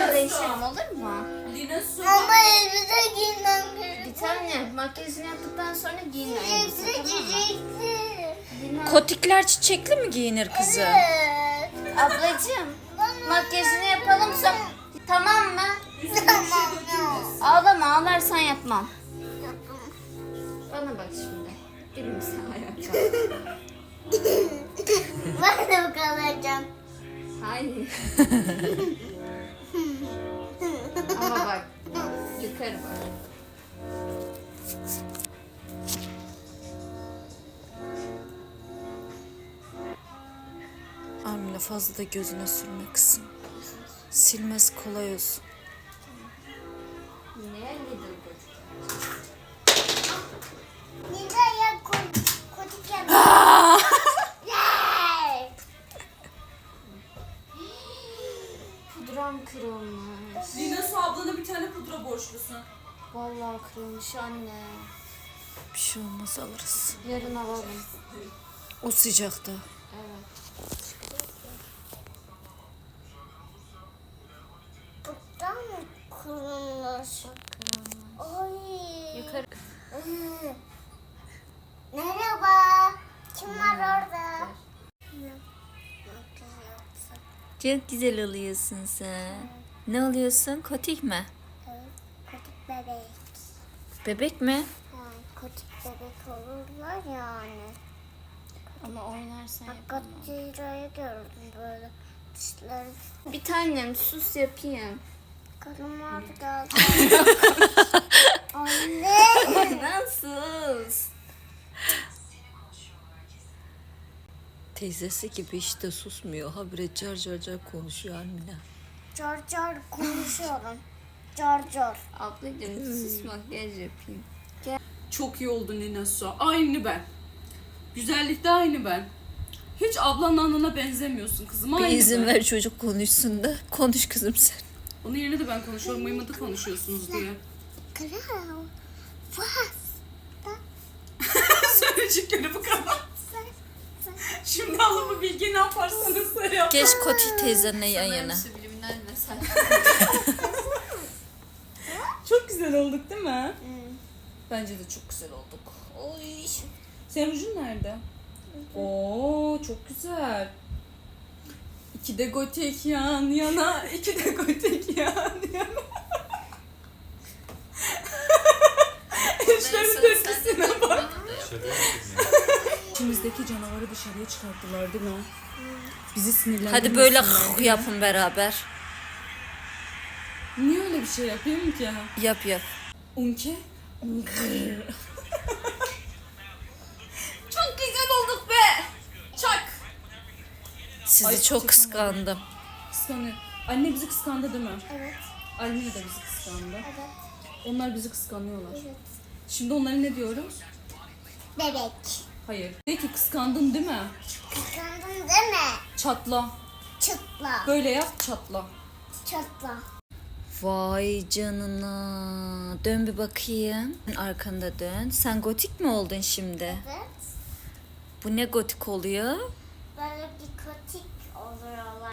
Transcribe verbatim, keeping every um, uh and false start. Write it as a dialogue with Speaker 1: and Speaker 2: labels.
Speaker 1: Sonra değişelim, olur mu?
Speaker 2: Ama elbise giymem gerekiyor.
Speaker 1: Bir tane makyajını yaptıktan sonra giyin elbise, tamam mı? Bilmem.
Speaker 3: Kotikler çiçekli mi giyinir kızım?
Speaker 2: Evet.
Speaker 1: Ablacığım, makyajını yapalım sonra... Tamam mı?
Speaker 2: Tamam ya.
Speaker 1: Ağlama, ağlarsan yapmam. Bana bak şimdi. Birimiz ayağa kalk.
Speaker 2: Ben de kalacağım.
Speaker 1: Hayır. Ama bak, yukarı bak.
Speaker 3: Amine fazla da gözüne sürme kızım. Silmez kolay olsun.
Speaker 1: Ne nedir bu?
Speaker 2: Nida'ya kotik yap. Yay!
Speaker 1: Pudram kırılmış.
Speaker 4: Lina Su ablana bir tane pudra borçlusun.
Speaker 1: Vallahi kırılmış anne.
Speaker 3: Bir şey olmaz alırız.
Speaker 1: Yarın alalım.
Speaker 3: O sıcakta.
Speaker 1: Evet.
Speaker 2: Buradan mı kırılmış? Oy.
Speaker 1: Yukarı.
Speaker 2: Hı. Merhaba. Kim var orada?
Speaker 3: Çok güzel oluyorsun sen. Ne oluyorsun? Kotik mi?
Speaker 2: Evet, kotik bebek.
Speaker 3: Bebek mi?
Speaker 2: Yani kotik bebek olurlar yani.
Speaker 1: Ama oynarsan
Speaker 2: Bak
Speaker 1: yapamam.
Speaker 2: Godzilla'yı gördüm böyle. Dişleri
Speaker 1: Bir tanem sus yapayım.
Speaker 2: karım vardı galiba. Anne.
Speaker 1: Ben sus.
Speaker 3: Teyzesi gibi işte susmuyor. Habire car car car konuşuyor Amine.
Speaker 2: Car car konuşuyorum. Car car.
Speaker 1: Ablacığım sus, makyaj yapayım.
Speaker 4: Çok iyi oldun Lina Su. Aynı ben. Güzellikte aynı ben. Hiç ablanla anana benzemiyorsun kızım. Aynı
Speaker 3: Bir izin
Speaker 4: ben.
Speaker 3: ver çocuk konuşsun da. Konuş kızım sen.
Speaker 4: Onun yerine de ben konuşuyorum. Mıymıntı konuşuyorsunuz diye.
Speaker 2: Kral. Vaz.
Speaker 4: Söyleyecekleri bu kadar. Şimdi alın bu bilgiyi ne yaparsanız yap.
Speaker 3: Geç Kotik teyzenle yan yana.
Speaker 1: Subliminal mesaj.
Speaker 4: Çok güzel olduk değil mi?
Speaker 3: Bence de çok güzel olduk. Oy.
Speaker 4: Senin rujun nerede? Oo çok güzel. İki de gotik yan yana, iki de gotik yan yana. Eşlerin tepkisine bak. İçimizdeki canavarı dışarıya çıkarttılar değil mi? Bizi sinirlendirmesinler.
Speaker 3: Hadi böyle
Speaker 4: diye.
Speaker 3: yapın beraber.
Speaker 4: Niye öyle bir şey yapayım ki?
Speaker 3: Yap yap.
Speaker 4: Unke?
Speaker 1: Çok güzel olduk be. Çak.
Speaker 3: Sizi
Speaker 4: Ay,
Speaker 3: çok
Speaker 4: çekemem.
Speaker 3: kıskandım.
Speaker 4: Kıskanıyor. Anne bizi kıskandı değil mi?
Speaker 2: Evet.
Speaker 4: Anne de bizi kıskandı.
Speaker 2: Evet.
Speaker 4: Onlar bizi kıskanıyorlar.
Speaker 2: Evet.
Speaker 4: Şimdi onlara ne diyoruz?
Speaker 2: Bebek.
Speaker 4: Hayır. De ki kıskandın değil mi?
Speaker 2: Kıskandın değil mi?
Speaker 4: Çatla.
Speaker 2: Çıtla.
Speaker 4: Böyle yap çatla.
Speaker 2: Çatla.
Speaker 3: Vay canına. Dön bir bakayım. Arkanda dön. Sen gotik mi oldun şimdi?
Speaker 2: Evet.
Speaker 3: Bu ne gotik oluyor?
Speaker 2: Böyle bir kotik